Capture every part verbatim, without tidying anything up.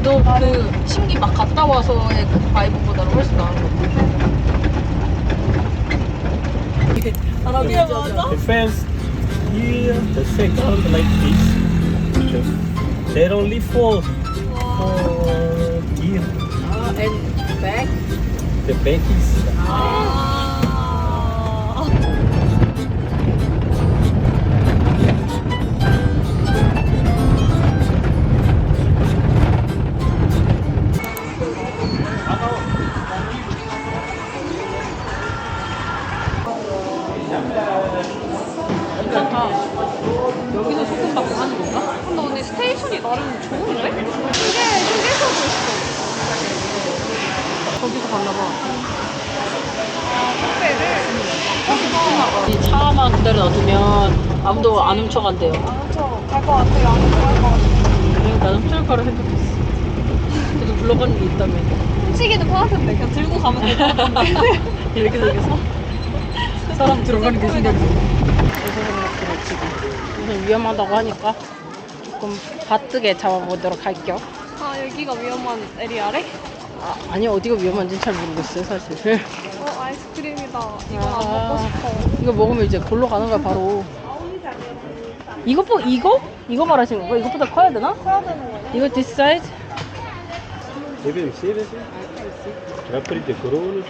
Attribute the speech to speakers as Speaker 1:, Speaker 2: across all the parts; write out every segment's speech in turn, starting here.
Speaker 1: 그래도 그 신기 막 갔다 와서의 그 바이브보다는 훨씬 나은 것 같아.
Speaker 2: The fence here, the second like this. There only four, four gear.
Speaker 1: 아, and back?
Speaker 2: The back is.
Speaker 1: 괜찮다. 여기서 소금 받고 하는 건가?
Speaker 3: 근데 언니 스테이션이 나름 좋은데? 이게 휴게소도 있어.
Speaker 1: 거기서 갔나봐.
Speaker 3: 택배를.
Speaker 1: 이 차만 그대로 놔두면 아무도 안 훔쳐간대요.
Speaker 3: 안 훔쳐갈 것 같아요. 안 훔쳐갈 것 같아요.
Speaker 1: 그래, 난 훔쳐갈 거라 생각했어. 그래도 불러가는 게 있다면.
Speaker 3: 훔치기는 편한데 그냥 들고 가면 될 것 같은데.
Speaker 1: 이렇게 생겨서 사람 들어가는 게 생각이 나. 그래서 생각해 지금. 우선 위험하다고 하니까 조금 바뜨게 잡아보도록 할게요.
Speaker 3: 아 여기가 위험한 에리아래?
Speaker 1: 아, 아니 어디가 위험한지는 잘 모르겠어요 사실.
Speaker 3: 어 아이스크림이다. 이건
Speaker 1: 아.
Speaker 3: 안 먹고 싶어.
Speaker 1: 이거 먹으면 이제 골로 가는 거야 바로. 이거 뭐 이거? 이거 말하시는 거야? 이것보다 커야 되나?
Speaker 3: 커야 되는 거네.
Speaker 1: 이거 this size?
Speaker 2: Deve ser assim. Vai por ter corona.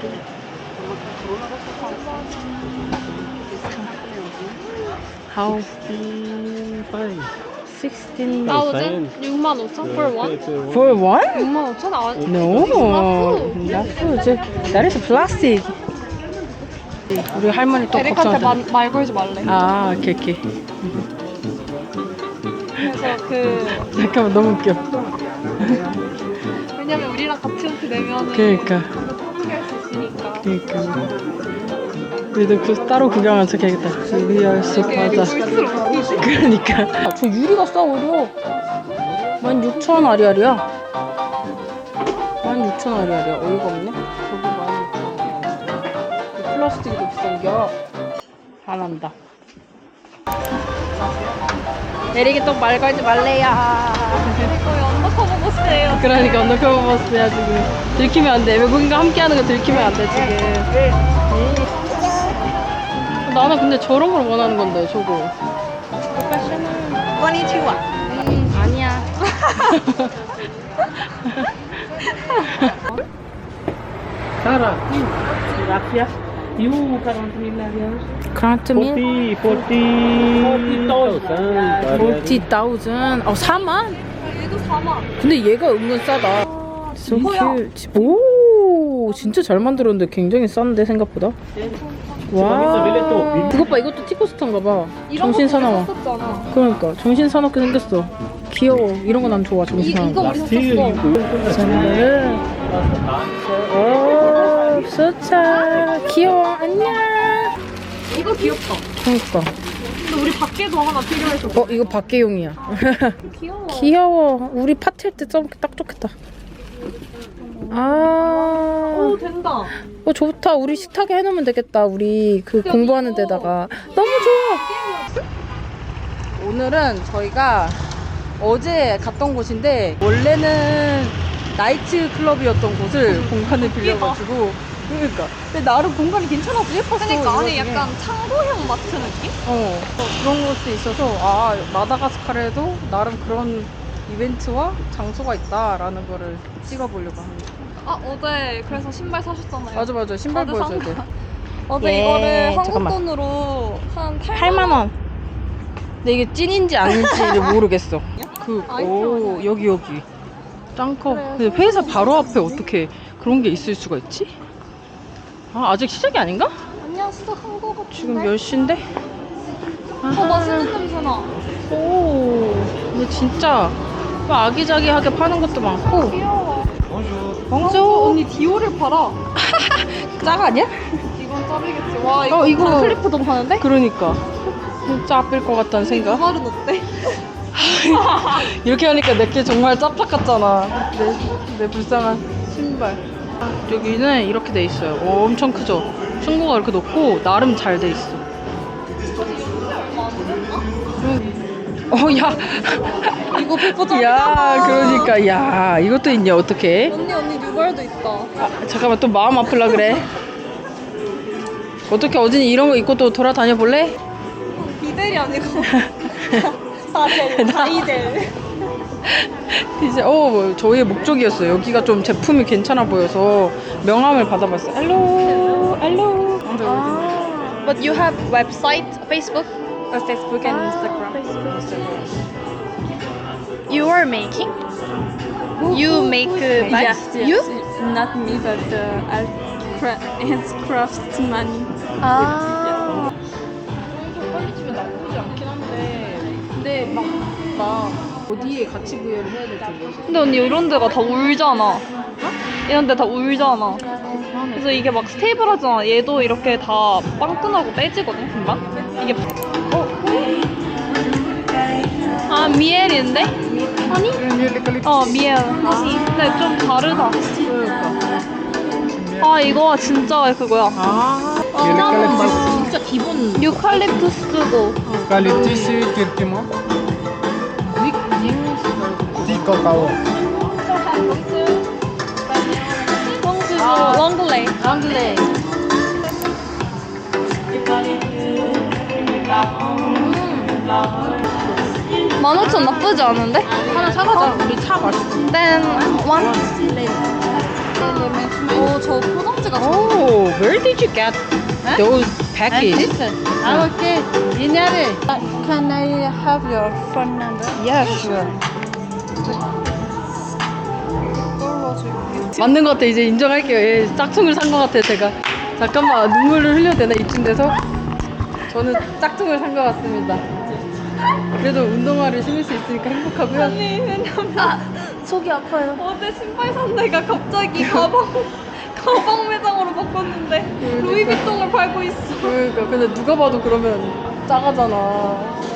Speaker 1: How?
Speaker 2: Pai.
Speaker 1: sixteen
Speaker 3: 나오든 육만 오천? For one?
Speaker 1: for one?
Speaker 3: 육만 오천? 아,
Speaker 1: No, not food. That is plastic. 우리 할머니 또
Speaker 3: 에릭한테
Speaker 1: 걱정한다.
Speaker 3: 말 걸지 말래.
Speaker 1: 아, 오케이 오케이.
Speaker 3: 그래서 그
Speaker 1: 잠깐만 너무 웃겨.
Speaker 3: 왜냐면 우리랑 같이 이렇게 내면은
Speaker 1: 그러니까.
Speaker 3: 포기할 수 있으니까.
Speaker 1: 그러니까. 우리도 그 따로 구경하면서 가야겠다. 리얼 숲하다. 그러니까. 아, 저 유리가 싸 오히려. 만 육천 아리알이야. 만 육천 아리알이야. 어이가 없네. 저거 만 육천 아리알. 플라스틱이 더 비싼 겨. 화난다. 에릭이 또 말 걸지 말래야.
Speaker 3: 거의 언더커버 보스예요.
Speaker 1: 그러니까 언더커버 버스야 지금. 들키면 안 돼. 외국인과 함께 하는 거 들키면 안 돼 지금. 나는 근데 저런 걸 원하는 건데 저거.
Speaker 3: 건니치와.
Speaker 1: 음, 아니야.
Speaker 2: Cara,
Speaker 1: 라피아?
Speaker 2: e o quarenta mil reais?
Speaker 1: 그란트 밀?
Speaker 2: forty, forty thousand.
Speaker 1: 사십 thousand. 어, 사만?
Speaker 3: 얘도 사만.
Speaker 1: 근데 얘가 은근 싸다. So
Speaker 3: 이거야.
Speaker 1: cute. 오, 진짜 잘 만들었는데 굉장히 싼데 생각보다. 와. 그것 봐, 이것도 티코스터인가 봐. 정신 사나워.
Speaker 3: 썼잖아.
Speaker 1: 그러니까 정신 사납게 생겼어. 귀여워. 이런 거 난 좋아. 정신
Speaker 3: 이, 이거
Speaker 1: 사나워.
Speaker 3: 우리
Speaker 2: Sim,
Speaker 3: 샀었어.
Speaker 1: 저는 오, 좋다. 귀여워. 안녕.
Speaker 3: 이거 귀엽다.
Speaker 1: 그러니까.
Speaker 3: 근데 우리 밖에도 하나 필요해서.
Speaker 1: 어, 이거 밖에용이야.
Speaker 3: 귀여워.
Speaker 1: 귀여워. 우리 파티할 때 써먹기 딱 좋겠다. 아,
Speaker 3: 오 된다.
Speaker 1: 어 좋다. 우리 식탁에 해놓으면 되겠다. 우리 그 공부하는 데다가. 너무 좋아. 오늘은 저희가 어제 갔던 곳인데 원래는 나이트 클럽이었던 곳을 공간을 빌려가지고. 그러니까. 근데 나름 공간이 괜찮아서 예뻤어.
Speaker 3: 그러니까 안에
Speaker 1: 이거 중에.
Speaker 3: 약간 창고형 마트 느낌?
Speaker 1: 어, 어, 그런 곳도 있어서 아 마다가스카르에도 나름 그런 이벤트와 장소가 있다라는 거를 찍어보려고 합니다.
Speaker 3: 아 어제 그래서 신발 사셨잖아요.
Speaker 1: 맞아 맞아 신발
Speaker 3: 다들
Speaker 1: 보여줘야
Speaker 3: 산
Speaker 1: 돼.
Speaker 3: 어제
Speaker 1: 예,
Speaker 3: 이거를 한국
Speaker 1: 잠깐만.
Speaker 3: 돈으로 한
Speaker 1: 팔만 원. 근데 이게 찐인지 아닌지를 모르겠어. 그,
Speaker 3: 아이템
Speaker 1: 오,
Speaker 3: 아니야?
Speaker 1: 여기, 여기. 짱 커.
Speaker 3: 그래,
Speaker 1: 근데 회사 바로 앞에 어떻게 그런 게 있을 수가 있지? 아, 아직 시작이 아닌가?
Speaker 3: 아니야 시작한 거 같은데.
Speaker 1: 지금 몇 시인데?
Speaker 3: 어 맛있는 냄새 나.
Speaker 1: 오, 근데 진짜 막 아기자기하게 파는 것도 많고.
Speaker 3: 귀여워.
Speaker 1: 어,
Speaker 3: 언니 디오를 팔아.
Speaker 1: 짱 아니야?
Speaker 3: 이건 짭이겠지. 와 이거
Speaker 1: 어, 이거-
Speaker 3: 클리프도 파는데?
Speaker 1: 그러니까. 진짜 아플 것 같다는
Speaker 3: 이
Speaker 1: 생각.
Speaker 3: 말은 어때?
Speaker 1: 이렇게 하니까 내게 정말 짭딱 같잖아. 내, 내 불쌍한 신발. 여기는 이렇게 돼 있어요. 오, 엄청 크죠? 층고가 이렇게 높고 나름 잘 돼 있어. 음. 어, 야.
Speaker 3: 이거 백퍼
Speaker 1: 야, 그러니까 야, 이것도 있냐 어떡해?
Speaker 3: 언니 언니 유발도 있다.
Speaker 1: 아, 잠깐만 또 마음 아플라 그래. 어떻게 어진이 이런 거 입고 또 돌아다녀 볼래?
Speaker 3: 비델이 아니고 다델 다이델.
Speaker 1: 이제 어 뭐, 저희의 목적이었어요. 여기가 좀 제품이 괜찮아 보여서 명함을 받아봤어요. 알로 알로.
Speaker 3: 아, but you have website, Facebook? Uh, Facebook and Instagram. You are making? You make uh, bags? You?
Speaker 4: Not me, but uh, art cra- hands craftsman.
Speaker 3: 아.
Speaker 1: 빨리 치면 나쁘지 않긴 한데 근데 막 막 어디에 가치 부여를 해야 될지 모르겠어.
Speaker 3: 근데 언니 이런 데가 다 울잖아. 이런 데 다 울잖아. 그래서 이게 막 스테이블하잖아. 얘도 이렇게 다 빵끈하고 빼지거든, 금방? 이게. 어? 아, 미엘인데? 아니? 어, 미엘. 근데 좀 다르다. 아, 이거 진짜 그거야.
Speaker 1: 아, 시나몬 말고 진짜 기본
Speaker 3: 유칼립투스고.
Speaker 2: Eucalyptus curcuma,
Speaker 1: 윅 윙스 말고
Speaker 2: tea cacao.
Speaker 3: 성수고, 롱글레이.
Speaker 1: 랑글레.
Speaker 3: 만 오천 나쁘지 않은데?
Speaker 1: 하나 사가자. 우리 차 마시고.
Speaker 3: Then one. 오, 저 포장지가 좋아.
Speaker 1: Oh, where did you get those packages?
Speaker 4: Ah, okay. Dinare. Can I have your phone number?
Speaker 1: Yeah, sure. 맞는 것 같아. 이제 인정할게요. 예, 짝퉁을 산 것 같아요, 제가. 잠깐만, 눈물을 흘려도 되나, 이쯤 돼서? 저는 짝퉁을 산 것 같습니다. 그래도 운동화를 신을 수 있으니까 행복하고요.
Speaker 3: 언니, 왜냐면 아, 속이 아파요. 어제 신발 산 데가 갑자기 가방 가방 매장으로 바꿨는데 루이비통을 팔고 있어.
Speaker 1: 그러니까, 근데 누가 봐도 그러면 작아잖아.